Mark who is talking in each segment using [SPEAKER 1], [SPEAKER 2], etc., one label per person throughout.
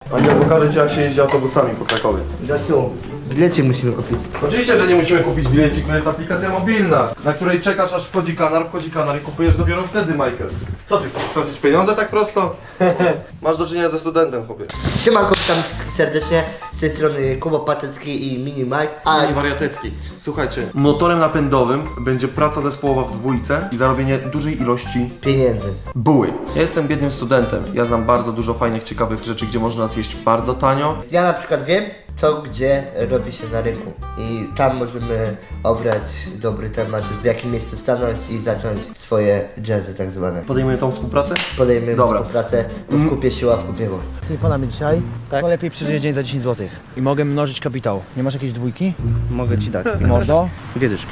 [SPEAKER 1] Ania, pokażę ci, jak się jeździ autobusami po Krakowie.
[SPEAKER 2] Gościu, bilecik musimy kupić.
[SPEAKER 1] Oczywiście, że nie musimy kupić bilecik, to jest aplikacja mobilna, na której czekasz, aż wchodzi kanar i kupujesz dopiero wtedy, Michael. Co ty, chcesz stracić pieniądze tak prosto? Masz do czynienia ze studentem, chłopie.
[SPEAKER 2] Siemanko, witam wszystkich serdecznie. Z tej strony Kuba Patecki i Mini Mike.
[SPEAKER 1] I wariatecki. Słuchajcie, motorem napędowym będzie praca zespołowa w dwójce i zarobienie dużej ilości
[SPEAKER 2] Pieniędzy.
[SPEAKER 1] buły. Ja jestem biednym studentem. Ja znam bardzo dużo fajnych, ciekawych rzeczy, gdzie można zjeść bardzo tanio.
[SPEAKER 2] Ja na przykład wiem, co gdzie robi się na rynku. I tam możemy obrać dobry temat, w jakim miejscu stanąć i zacząć swoje jazzy tak zwane.
[SPEAKER 1] Podejmujemy tą współpracę?
[SPEAKER 2] Podejmiemy
[SPEAKER 1] Dobra.
[SPEAKER 2] współpracę w kupie siła, w kupie moc.
[SPEAKER 3] Przekonamy dzisiaj, to lepiej przeżyję dzień za 10 zł. I mogę mnożyć kapitał. Nie masz jakiejś dwójki?
[SPEAKER 2] Mogę ci dać.
[SPEAKER 3] Mordo?
[SPEAKER 2] Dwie dyszki.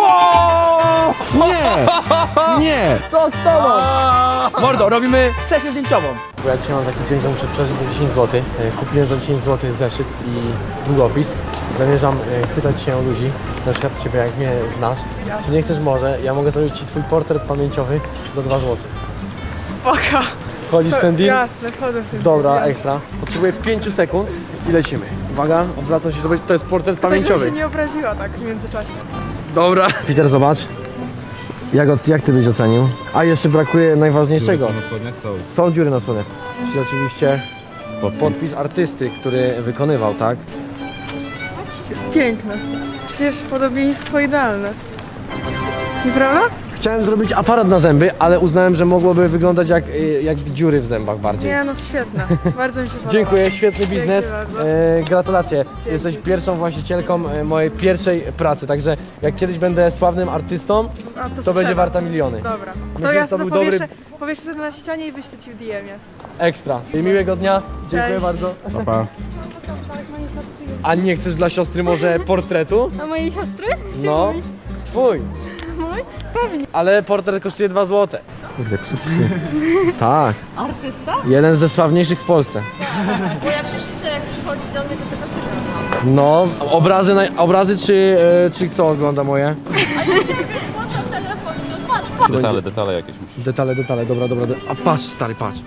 [SPEAKER 3] Nie! Co z tobą? Mordo, robimy sesję zdjęciową. Bo ja dzisiaj mam taki dzień, że muszę przeżyć za 10 zł. Kupiłem za 10 zł zeszyt i długopis. Zamierzam pytać się ludzi, na przykład ciebie, jak mnie znasz. Czy nie chcesz może, ja mogę zrobić ci twój portret pamięciowy za 2 zł.
[SPEAKER 4] Spoko.
[SPEAKER 3] Wchodzisz w ten deal?
[SPEAKER 4] Jasne, wchodzę w ten
[SPEAKER 3] Dobra,
[SPEAKER 4] deal.
[SPEAKER 3] ekstra. Potrzebuję 5 sekund i lecimy. Uwaga, odwracam się, to jest portret
[SPEAKER 4] Tak, żebym
[SPEAKER 3] pamięciowy.
[SPEAKER 4] się nie obraziła tak w międzyczasie.
[SPEAKER 3] Dobra. Peter, zobacz. Jak ty byś ocenił? A jeszcze brakuje najważniejszego.
[SPEAKER 5] Dziury na spodniach są.
[SPEAKER 3] Są dziury na spodniach. Czyli oczywiście podpis artysty, który wykonywał, tak?
[SPEAKER 4] Piękne. Przecież podobieństwo idealne. Nieprawda?
[SPEAKER 3] Chciałem zrobić aparat na zęby, ale uznałem, że mogłoby wyglądać jak dziury w zębach bardziej.
[SPEAKER 4] Nie no, świetne. Bardzo mi się podoba.
[SPEAKER 3] Dziękuję, świetny biznes.
[SPEAKER 4] bardzo.
[SPEAKER 3] Gratulacje. Jesteś pierwszą właścicielką mojej pierwszej pracy, także jak kiedyś będę sławnym artystą,
[SPEAKER 4] A,
[SPEAKER 3] to będzie
[SPEAKER 4] sprzedam.
[SPEAKER 3] warta miliony.
[SPEAKER 4] Dobra.
[SPEAKER 3] Myślę,
[SPEAKER 4] To
[SPEAKER 3] że
[SPEAKER 4] ja
[SPEAKER 3] to
[SPEAKER 4] to
[SPEAKER 3] był
[SPEAKER 4] powieszę sobie na ścianie i wyślę ci w DM-ie.
[SPEAKER 3] Ekstra. I miłego dnia. Dziękuję
[SPEAKER 4] Cześć.
[SPEAKER 3] bardzo.
[SPEAKER 5] Pa, pa.
[SPEAKER 3] A nie chcesz dla siostry może portretu?
[SPEAKER 6] A mojej siostry? Czy
[SPEAKER 3] No,
[SPEAKER 6] mój?
[SPEAKER 3] twój.
[SPEAKER 6] Mój? Pewnie.
[SPEAKER 3] Ale portret kosztuje 2 zł. Kurde, przypsy. Tak.
[SPEAKER 6] Artysta?
[SPEAKER 3] Jeden ze sławniejszych w Polsce.
[SPEAKER 6] Bo jak przychodzi do mnie, to tylko czekam.
[SPEAKER 3] No, obrazy czy co ogląda moje?
[SPEAKER 6] Włączam telefon, no patrz.
[SPEAKER 5] Detale jakieś musi.
[SPEAKER 3] Detale, dobra. A patrz, stary, patrz.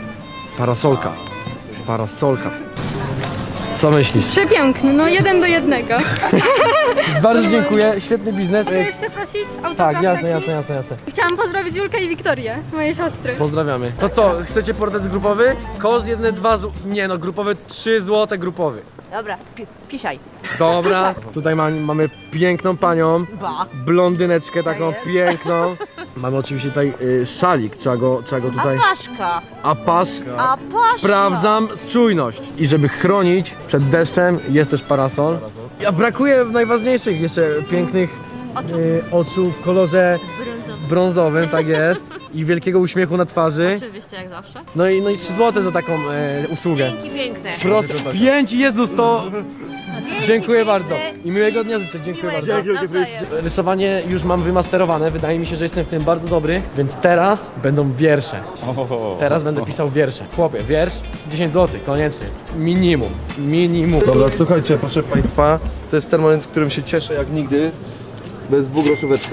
[SPEAKER 3] Parasolka. Co myślisz?
[SPEAKER 6] Przepiękny, no 1 do 1.
[SPEAKER 3] Bardzo dziękuję, świetny biznes.
[SPEAKER 6] Mogę jeszcze prosić autograf
[SPEAKER 3] Tak, jasne.
[SPEAKER 6] taki? Chciałam pozdrowić Julkę i Wiktorię, moje siostry.
[SPEAKER 3] Pozdrawiamy. To co, chcecie portret grupowy? Koszt jedne 2 zł. Nie no, grupowy 3 zł grupowy.
[SPEAKER 7] Dobra, pisiaj.
[SPEAKER 3] Dobra, tutaj mamy piękną panią, blondyneczkę taką piękną. Mamy oczywiście tutaj szalik, trzeba go tutaj...
[SPEAKER 7] Apaszka.
[SPEAKER 3] Apaszka.
[SPEAKER 7] Apaszka.
[SPEAKER 3] Sprawdzam czujność. I żeby chronić przed deszczem jest też parasol. A brakuje najważniejszych jeszcze pięknych oczu w kolorze brązowym, tak jest. I wielkiego uśmiechu na twarzy.
[SPEAKER 7] Oczywiście, jak zawsze.
[SPEAKER 3] No i 3 zł za taką usługę.
[SPEAKER 7] Dzięki piękne.
[SPEAKER 3] Prosto 5, Jezus, to... Dziękuję bardzo. I miłego dnia życzę, dziękuję bardzo. Rysowanie już mam wymasterowane, wydaje mi się, że jestem w tym bardzo dobry, więc teraz będą wiersze. Teraz będę pisał wiersze. Chłopie, wiersz 10 zł, koniecznie. Minimum.
[SPEAKER 1] Dobra, słuchajcie, proszę Państwa, to jest ten moment, w którym się cieszę jak nigdy. Bez dwugroszóweczka.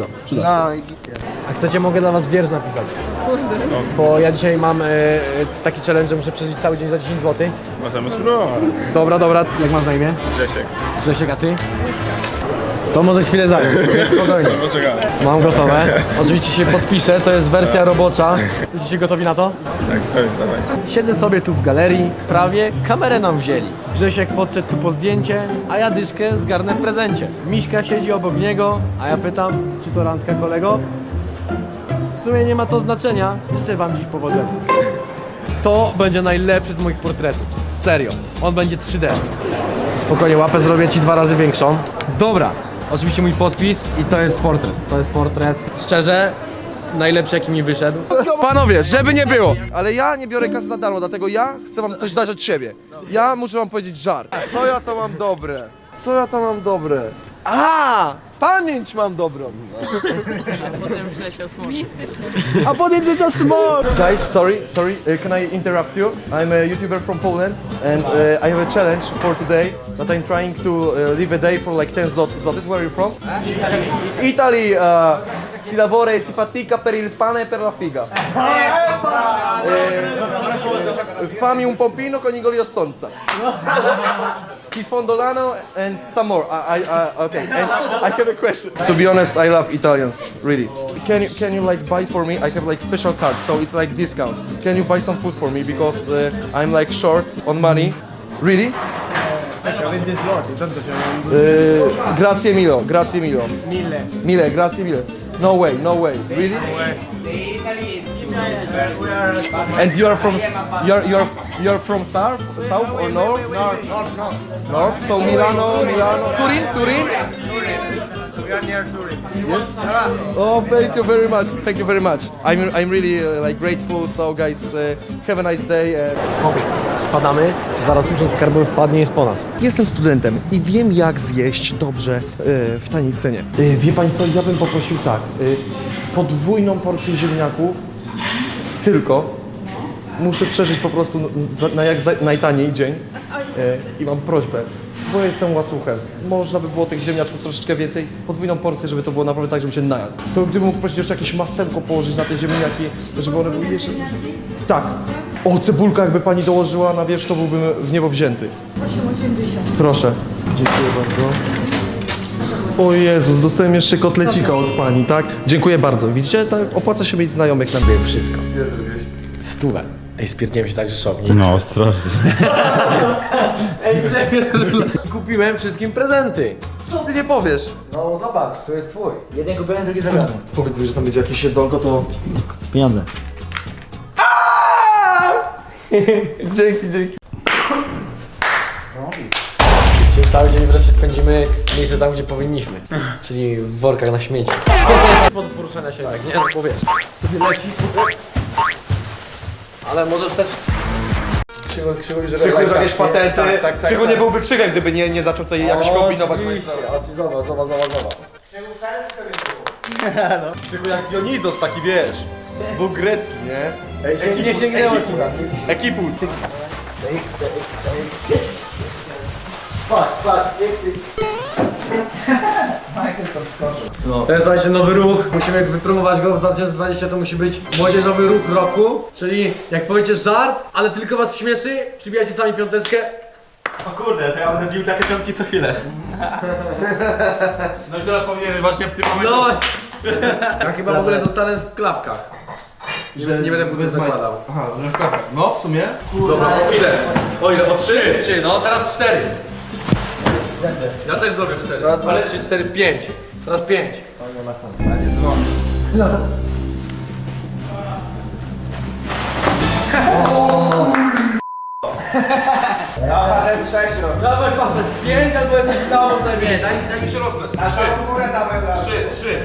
[SPEAKER 3] A chcecie, mogę dla was wiersz napisać. Bo ja dzisiaj mam taki challenge, że muszę przeżyć cały dzień za 10 zł.
[SPEAKER 5] Możemy spróbować.
[SPEAKER 3] Dobra, jak masz na imię?
[SPEAKER 5] Grzesiek.
[SPEAKER 3] Grzesiek, a ty? To może chwilę zająć, więc spokojnie.
[SPEAKER 5] Poczekamy.
[SPEAKER 3] Mam gotowe. Oczywiście się podpiszę, to jest wersja robocza. Jesteście gotowi na to?
[SPEAKER 5] Tak, pewnie, dawaj.
[SPEAKER 3] Siedzę sobie tu w galerii, prawie kamerę nam wzięli. Grzesiek podszedł tu po zdjęcie, a ja dyszkę zgarnę w prezencie. Miśka siedzi obok niego, a ja pytam, czy to randka, kolego? W sumie nie ma to znaczenia, życzę wam dziś powodzenia. To będzie najlepszy z moich portretów. Serio, on będzie 3D. Spokojnie, łapę zrobię ci 2 razy większą. Dobra, oczywiście mój podpis i to jest portret. To jest portret, szczerze, najlepszy jaki mi wyszedł.
[SPEAKER 1] Panowie, żeby nie było, ale ja nie biorę kasy za darmo, dlatego ja chcę wam coś dać od siebie. Ja muszę wam powiedzieć żart. Co ja to mam dobre? A! Pamięć mam dobrą.
[SPEAKER 3] A potem wleciał smog!
[SPEAKER 1] Guys, sorry, can I interrupt you? I'm a YouTuber from Poland and I have a challenge for today that I'm trying to live a day for like 10 zlotys. Where are you from? Italy. si lavora e si fatica per il pane e per la figa. Fammi un pompino con Igor Sonza. Kisfondolano and some more. Okay. And I have a question. To be honest, I love Italians, really. Can you like buy for me? I have like special card, so it's like discount. Can you buy some food for me because I'm like short on money? Really? Grazie mille, grazie mille. Mille, grazie mille. No way. Really? And you are from you're from south or north? North. So Milano, Turin.
[SPEAKER 3] We are near Turin.
[SPEAKER 1] Yes. Oh, thank you very much. Thank you very much. I'm really like grateful. So guys, have a nice day.
[SPEAKER 3] Spadamy, zaraz urząd skarbowy wpadnie i jest po nas.
[SPEAKER 1] Jestem studentem i wiem jak zjeść dobrze w taniej cenie. Wie pani co, ja bym poprosił tak, podwójną porcję ziemniaków, tylko muszę przeżyć po prostu na jak najtaniej dzień i mam prośbę, bo jestem łasuchem. Można by było tych ziemniaczków troszeczkę więcej, podwójną porcję, żeby to było naprawdę tak, żebym się najadł. To gdybym mógł prosić jeszcze jakieś masełko położyć na te ziemniaki, żeby one były jeszcze... Tak. O, cebulka jakby pani dołożyła na wierzch, to byłbym w niebo wzięty.
[SPEAKER 4] 8,80.
[SPEAKER 1] Proszę. Dziękuję bardzo. O Jezus, dostałem jeszcze kotlecika od pani, tak? Dziękuję bardzo. Widzicie, tak opłaca się mieć znajomych na
[SPEAKER 3] Wiem wszystko. 100. Ej, spierdziłem się tak, że szok.
[SPEAKER 5] No, ostrożnie.
[SPEAKER 3] Ej, kupiłem wszystkim prezenty.
[SPEAKER 1] Co ty nie powiesz?
[SPEAKER 3] No zobacz, to jest twój. Jeden kupiłem, drugi zrobiony.
[SPEAKER 1] Powiedz mi, że tam będzie jakieś jedzonko, to...
[SPEAKER 3] Pieniądze.
[SPEAKER 1] Dzięki.
[SPEAKER 3] Czyli cały dzień wreszcie spędzimy w miejsce tam, gdzie powinniśmy. Czyli w workach na śmieci. Sposób poruszania się tak, nie? No bo wiesz, sobie lecisz, ale możesz też... Krzywo,
[SPEAKER 1] Krzychu jakieś patenty. Krzychu nie byłby Krzychem, gdyby nie zaczął tutaj jakoś kombinować.
[SPEAKER 3] Zobacz.
[SPEAKER 1] Krzychu jak Dionizos taki, wiesz. Był grecki, nie?
[SPEAKER 3] Ej, nie sięgnęło ci.
[SPEAKER 1] Ekipus.
[SPEAKER 3] To jest, słuchajcie, nowy ruch, musimy wypromować go w 2020, to musi być młodzieżowy ruch roku, czyli jak powiecie żart, ale tylko was śmieszy, przybijajcie sami piąteczkę.
[SPEAKER 5] O kurde, to ja będę bił takie piątki co chwilę.
[SPEAKER 1] No i teraz powinieneś właśnie w tym momencie...
[SPEAKER 3] No ja chyba w ogóle zostanę w klapkach, że nie będę buty zakładał.
[SPEAKER 1] Aha, że w klapach. No, w sumie. Dobra, o ile? O ile? O 3?
[SPEAKER 3] 3, no teraz 4.
[SPEAKER 1] Ja też zrobię 4.
[SPEAKER 3] Raz, 2, 3, 4, 5. Teraz 5. Dawaj patent, 5 albo jesteś tam najmniej.
[SPEAKER 1] Daj mi się rozgrzać. 3.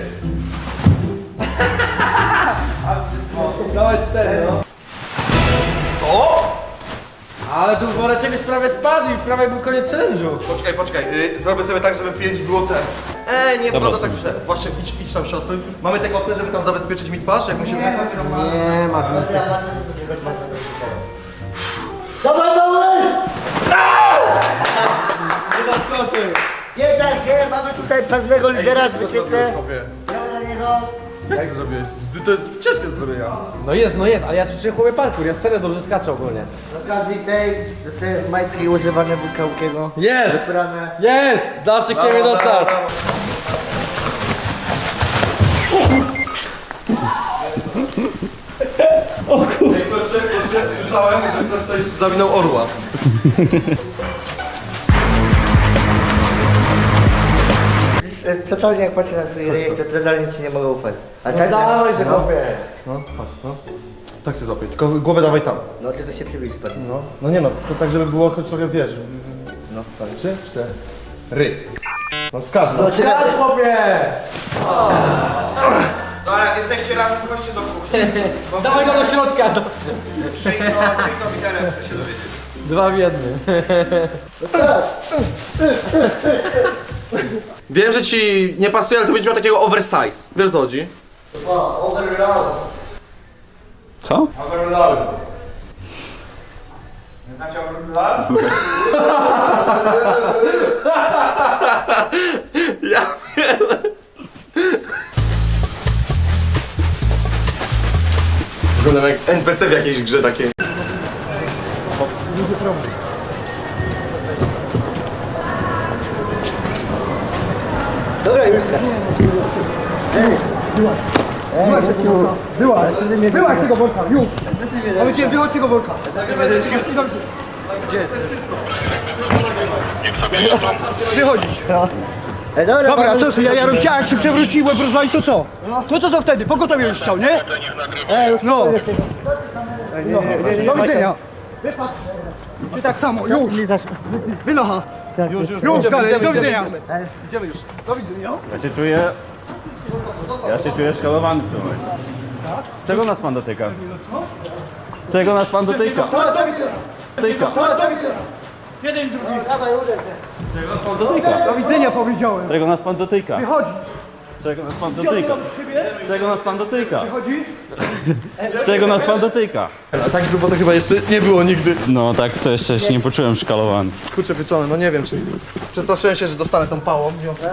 [SPEAKER 3] Dawaj 4, no.
[SPEAKER 1] O!
[SPEAKER 3] Ale tu woreczek już prawie spadł i prawie był koniec challenge'u.
[SPEAKER 1] Poczekaj. Zrobię sobie tak, żeby 5 było te. Nie, prawda tak źle. Właśnie, idź tam się odsuń. Mamy te koce, żeby tam zabezpieczyć mi twarz, jak musimy...
[SPEAKER 3] Nie, Magnister. Nie zaskoczył.
[SPEAKER 2] Jednak nie, mamy tutaj pewnego lidera zwycięzcę.
[SPEAKER 1] Jak zrobiłeś? To jest ciężkie do zrobienia.
[SPEAKER 3] No jest, ale ja ćwiczę chłopie parkour, ja serio dobrze skaczę ogólnie.
[SPEAKER 2] Z okazji tej dostaję majtki używane Wukałkiego.
[SPEAKER 3] Jest!
[SPEAKER 2] Wybrane.
[SPEAKER 3] Jest! Zawsze chciałem je dostać.
[SPEAKER 1] Słyszałem, że ktoś zawinął orła.
[SPEAKER 2] Totalnie jak patrzę na twój ryjek, to totalnie ci nie mogę ufać. A tak?
[SPEAKER 3] Dawaj się chłopie.
[SPEAKER 1] No. Tak się złapię, tylko głowę dawaj tam.
[SPEAKER 2] No tylko się przybliż pan.
[SPEAKER 1] No nie no, to tak żeby było choć trochę, wiesz. No, 3, 4. No skacz, no.
[SPEAKER 3] Skacz chłopie!
[SPEAKER 1] No ale jak jesteście razem, chodźcie do kuchni.
[SPEAKER 3] Dawaj go do środka.
[SPEAKER 1] Czyj to interes, chcę się dowiedzieć.
[SPEAKER 3] 2 w 1.
[SPEAKER 1] Wiem, że ci nie pasuje, ale to będzie miał takiego oversize. Wiesz o co chodzi?
[SPEAKER 2] O, overload.
[SPEAKER 5] Co?
[SPEAKER 1] Overload.
[SPEAKER 5] Nie znacie overload?
[SPEAKER 1] Ja wiem. Wyglądam jak NPC w jakiejś grze takiej.
[SPEAKER 2] Dobra, Julka.
[SPEAKER 8] Byłaś z tego worka, już! Powiedziałem, wychodź z tego worka! Wychodzić! Dobra, co ty, ja robię, jak się przewrócił, łeb rozwalił, to co? To co wtedy? Pogotowie już chciał, nie? No! Do widzenia! Wypatrz! Ty tak samo, już! Wynocha! Już, dalej, do widzenia!
[SPEAKER 1] Idziemy już.
[SPEAKER 8] Do widzenia!
[SPEAKER 5] Ja się czuję szkalowany w tym momencie. Czego nas pan dotyka? Czego nas pan dotyka?
[SPEAKER 8] Do widzenia!
[SPEAKER 5] Dotyka.
[SPEAKER 8] Do widzenia! Jeden, drugi!
[SPEAKER 5] Czego nas pan dotyka?
[SPEAKER 8] Do widzenia powiedziałem!
[SPEAKER 5] Czego nas pan dotyka?
[SPEAKER 8] Wychodzi!
[SPEAKER 5] Czego nas pan dotyka? Czego nas pan dotyka?
[SPEAKER 8] Wychodzi!
[SPEAKER 5] Czego nas pan dotyka?
[SPEAKER 1] A tak grubo to chyba jeszcze nie było nigdy.
[SPEAKER 5] No tak, to jeszcze się nie poczułem szkalowany.
[SPEAKER 1] Kurczę pieczone, no nie wiem czy... Przestraszyłem się, że dostanę tą pałą.